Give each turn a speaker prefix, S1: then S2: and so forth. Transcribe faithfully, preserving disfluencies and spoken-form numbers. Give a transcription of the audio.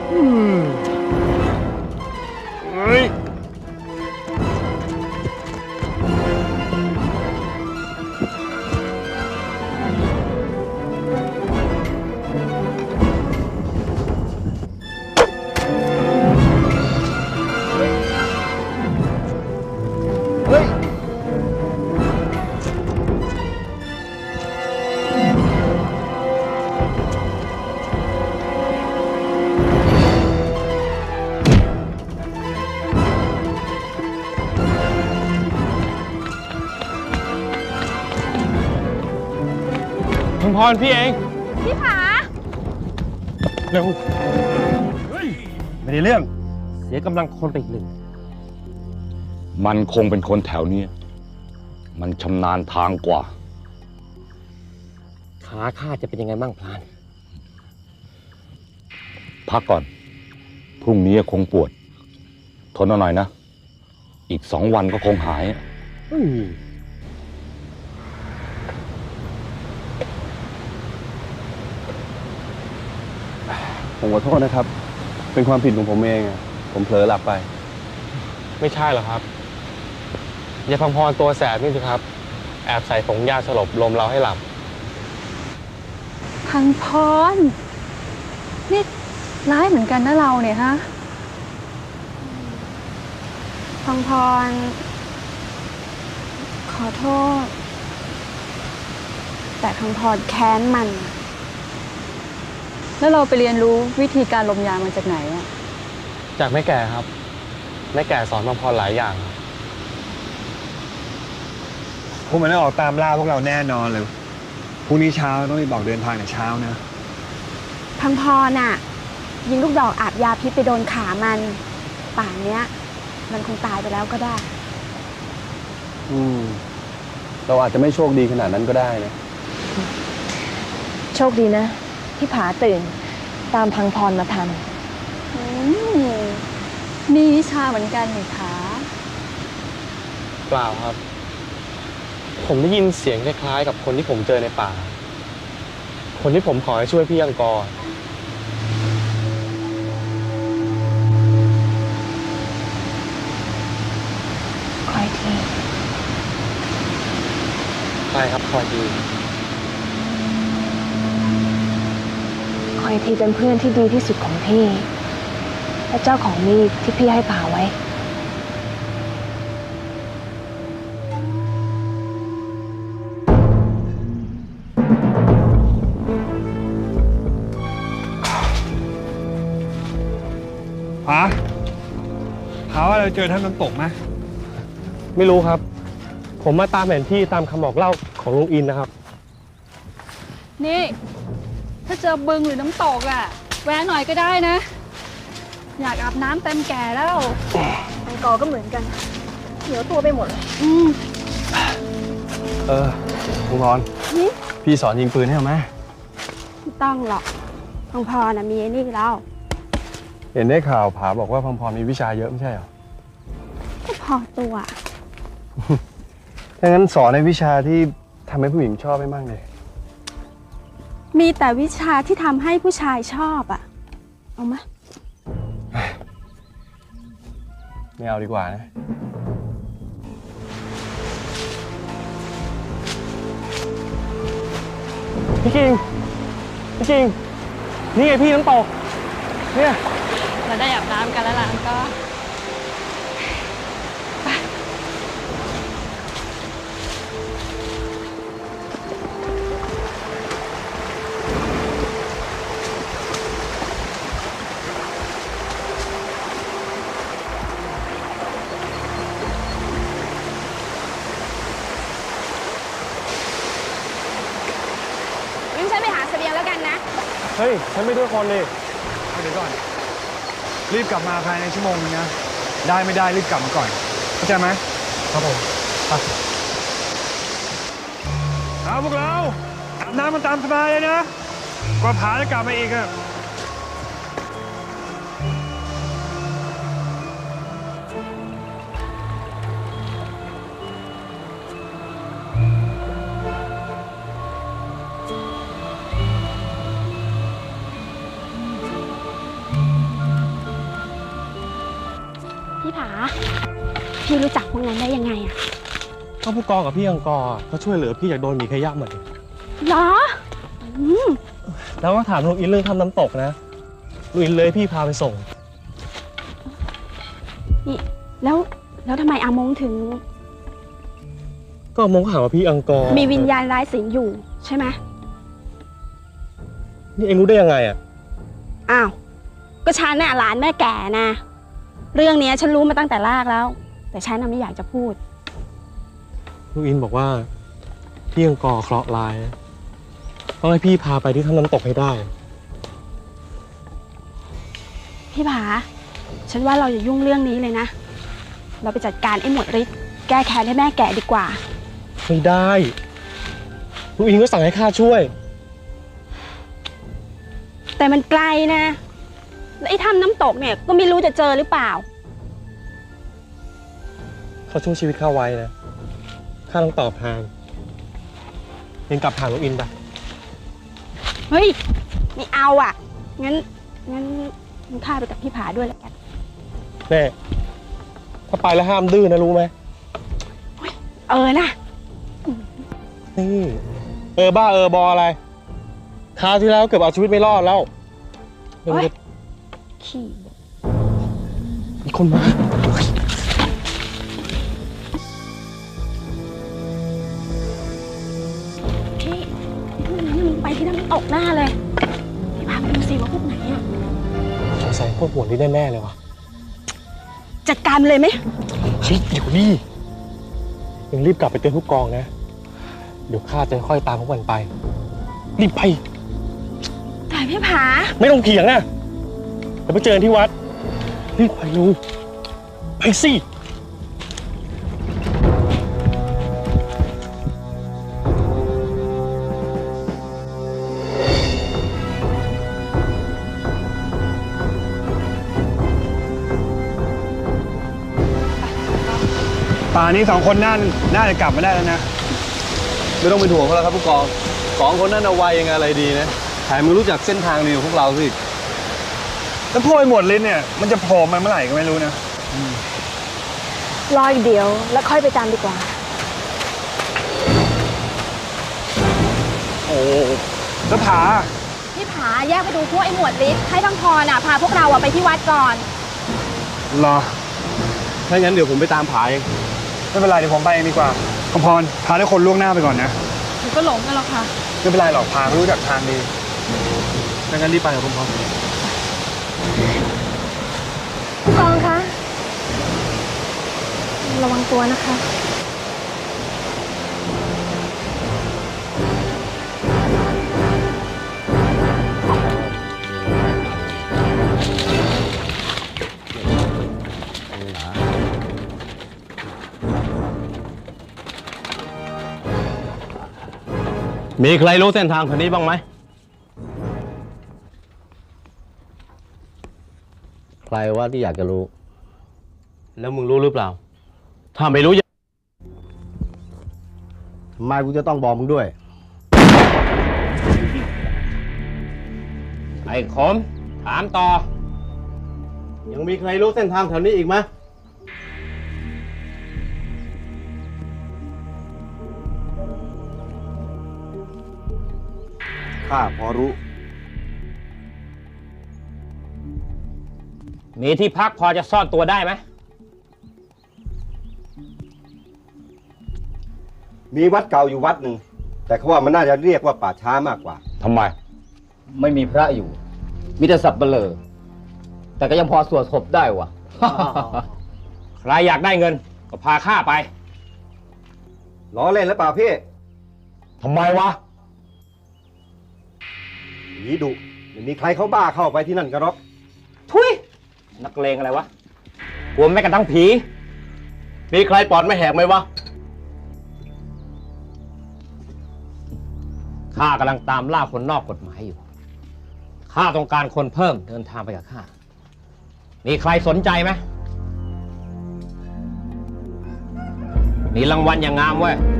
S1: อืมเฮ้ยเฮ้ยพังพรพี่เองพี่ผาเร็วเฮ้ยไม่ได้เรื่องเสียกำลังคนไปอีกหนึ่ง
S2: มันคงเป็นคนแถวนี้มันชำนาญทางกว่า
S1: ขาข้าจะเป็นยังไงบ้างพลาน
S2: พักก่อนพรุ่งนี้คงปวดทนเอาหน่อยนะอีกสองวันก็คงหาย
S3: ผมขอโทษนะครับเป็นความผิดของผมเองผมเผลอหลับไป
S4: ไม่ใช่หรอครับยายพังพรตัวแสบนี่สิครับแอบใส่ผงยาสลบลมเราให้หลับ
S5: พังพรนี่ร้ายเหมือนกันนะเราเนี่ยฮะ
S6: พังพรขอโทษแต่พังพรแค้นมัน
S5: แล้วเราไปเรียนรู้วิธีการลมยามาจากไหนอะ
S4: จากแม่แก่ครับแม่แก่สอนพังพรหลายอย่าง
S7: พวกมันได้ออกตามล่าพวกเราแน่นอนเลยพรุ่งนี้เช้าต้องรีบบอกเดินทางแต่เช้านะ
S6: พังพรน่ะยิงลูกดอกอาบยาพิษไปโดนขามันป่านเนี้ยมันคงตายไปแล้วก็ได้
S3: อืมเราอาจจะไม่โชคดีขนาดนั้นก็ได้นะ
S8: โชคดีนะที่ผาตื่นตามพังพรมาทัน
S5: มีวิชาเหมือนกันนี่คะ
S4: เปล่าครับผมได้ยินเสียงคล้ายๆกับคนที่ผมเจอในป่าคนที่ผมขอให้ช่วยพี่อังกอร์
S8: คอยที
S4: ใช่ครับคอยที
S8: คอยทีเป็นเพื่อนที่ดีที่สุดของพี่และเจ้าของมีดที่พี่ให้ผาไว้
S7: พาพาว่าเราเจอท่านน้ำตกไหม
S4: ไม่รู้ครับผมมาตามแผนที่ตามคำบอกเล่าของลุงอินนะครับ
S5: นี่ถ้าเจอบึงหรือน้ำตกอ่ะแวะหน่อยก็ได้นะอยากอาบน้ำเต็มแก่แล้ว
S6: อังกอร์ก็เหมือนกันเหนียวตัวไปหมดเลย
S5: อืม
S3: เออพังพรพี่สอนยิงปืนให้ไหม
S6: ไม่ต้องหรอกพังพรน่ะมีไอ้นี่แล้ว
S3: เห็นได้ข่าวผาบอกว่าพังพรมีวิชาเยอะไม่ใช่หรอ
S6: ก็พอตัว
S3: ถ้างั้นสอนในวิชาที่ทำให้ผู้หญิงชอบไม่มากเลย
S6: มีแต่วิชาที่ทำให้ผู้ชายชอบอ่ะเอาไหม
S3: ไม่เอาดีกว่านะ
S4: พี่คิงพี่คิงนี่ไงพี่น้ำตกเนี่ย
S5: เราได้อาบน้ำกันแล้วล่ะก็
S6: งั้นฉันไปหาเสบียงแล้วกันนะ
S4: เฮ้ยฉันไม่ด้วยคนเลย
S7: เดี๋ยวก่อนรีบกลับมาภายในชั่วโมงนึงนะได้ไม่ได้รีบกลับมาก่อนเข้าใจไหม
S4: ครับผม
S7: เอาพวกเราอาบน้ำมันตามสบายเลยนะกว่าผาจะกลับมาอีกอะ
S6: พี่ผา พี่รู้จักพวกนั้นได้ยังไงอะ
S4: ก็ผู้กองกับพี่อังกอร์เขาช่วยเหลือพี่จากโดนหมีขย้ำเหมือนกัน
S6: เหรออืม
S4: แล้วก็ถามลุงอินเรื่องทำน้ำตกนะลุงอินเลยพี่พาไปส่ง
S6: นี่แล้วแล้วทำไมอามงถึง
S4: ก็มองหาว่าพี่อังกอร์
S6: มีวิญญาณร้ายสิงอยู่ใช่ไหม
S4: นี่เองรู้ได้ยังไงอ่ะ
S6: อ้าว ก็ฉันน่ะหลานแม่แก่นะ เรื่องนี้ฉันรู้มาตั้งแต่แรกแล้ว แต่ฉันน่ะไม่อยากจะพูด
S4: ลุงอินบอกว่าพี่อังกอร์เคราะห์ร้ายต้องให้พี่พาไปที่ทำน้ำตกให้ได้
S6: พี่ผา ฉันว่าเราอย่ายุ่งเรื่องนี้เลยนะ เราไปจัดการไอ้หมวดฤทธิ์แก้แค้นให้แม่แก่ดีกว่า
S4: ไม่ได้ลุงอินก็สั่งให้ข้าช่วย
S6: แต่มันไกลนะ แล้วไอ้ถ้ำน้ำตกเนี่ยก็ไม่รู้จะเจอหรือเปล่า
S4: เขาช่วยชีวิตข้าไว้นะข้าต้องตอบแทนเองกลับหาลุงอินไป
S6: เฮ้ยไม่เอาอ่ะ งั้น งั้นงั้นข้าไปกับพี่ผาด้วยแล้วกัน
S4: แน่ถ้าไปแล้วห้ามดื้อนะรู้ไหม
S6: เออนะ
S4: นี่เออบ้าเออบออะไรคราวที่แล้วเกือบเอาชีวิตไม่รอดแล้ว
S6: โอ๊ย ขี่
S4: มีคนมา
S6: พี่พวกนั้นมันไปที่น้ำตกหน้าเลย พี่พาไปดูสิว่าพวกไหนอ่ะ
S4: สงสัยพวกหัวนี่แน่ๆเลยวะ
S6: จัดการมันเลยไหม
S4: เฮ้ยเดี๋ยวนี่ยังรีบกลับไปเตือนผู้กองนะ เดี๋ยวข้าจะค่อยตามพวกมันไป รีบไป
S6: แต่พี่ผา
S4: ไม่ต้องเถียงนะเดี๋ยวไปเจอกันที่วัด รีบไปลูกไปสิ
S7: ป่านนี้สองคนน่าน่าจะกลับมาได้แล้วนะ
S3: ไม่ต้องเป็นห่วงเขาแล้วครับผู้กองสองคนนั้นเอาไว้ยังไงอะไรดีนะแถมมึงรู้จักเส้นทางดีกว่าพวกเราสิ
S7: แล้วพวกไอ้หมวดลิ้นเนี่ยมันจะโผล่มาเมื่อไหร่ก็ไม่รู้นะ
S8: รออีกเดี๋ยวแล้วค่อยไปตามดีกว่า
S7: โอ้แล้วผา
S6: พี่ผาแยกไปดูพวกไอ้หมวดฤทธิ์ให้บางพรน่ะพาพวกเราอะไปที่วัดก่อน
S7: รอ
S3: ถ้างั้นเดี๋ยวผมไปตามผาเอง
S7: ไม่เป็นไรเดี๋ยวผมไปเองดีกว่าคำพรพาได้คนล่วงหน้าไปก่อนนะ
S5: หนูก็หลงกันหรอกค่ะ
S7: ไม่เป็นไรหรอกพาเขารู้จักทางดี
S4: ถ้างั้นรีบไปกับคุณพ่อ
S8: ผู้กองคะ ระวังตัวนะคะ
S3: มีใครรู้เส้นทางแถวนี้บ้างไหมใครว่าที่อยากจะรู้ แล้วมึงรู้หรือเปล่า ถ้าไม่รู้ทำไมกูจะต้องบอกมึงด้วย
S1: ไอ้ขมถามต่อ
S3: ยังมีใครรู้เส้นทางแถวนี้อีกไหมข้าพอรู้
S1: มีที่พักพอจะซ่อนตัวได้ไหม
S9: มีวัดเก่าอยู่วัดหนึ่ง แต่เขาว่ามันน่าจะเรียกว่าป่าช้ามากกว่า
S2: ทำไม
S10: ไม่มีพระอยู่ มีแต่สับเบลอ แต่ก็ยังพอสวดศพได้วะ
S1: ใครอยากได้เงินก็พาข้าไป
S9: ล้อเล่นแล้วเปล่าพี่
S2: ทำไมวะ
S9: ผีดุไม่มีใครเขาบ้าเข้าไปที่นั่นกันหรอก
S1: ทุยนักเลงอะไรวะกลัวแม้กระทั่งผี
S3: มีใครปอดไม่แหกไหมวะ
S1: ข้ากำลังตามล่าคนนอกกฎหมายอยู่ ข้าต้องการคนเพิ่มเดินทางไปกับข้า มีใครสนใจไหมมีรางวัลอย่างงามเว้ย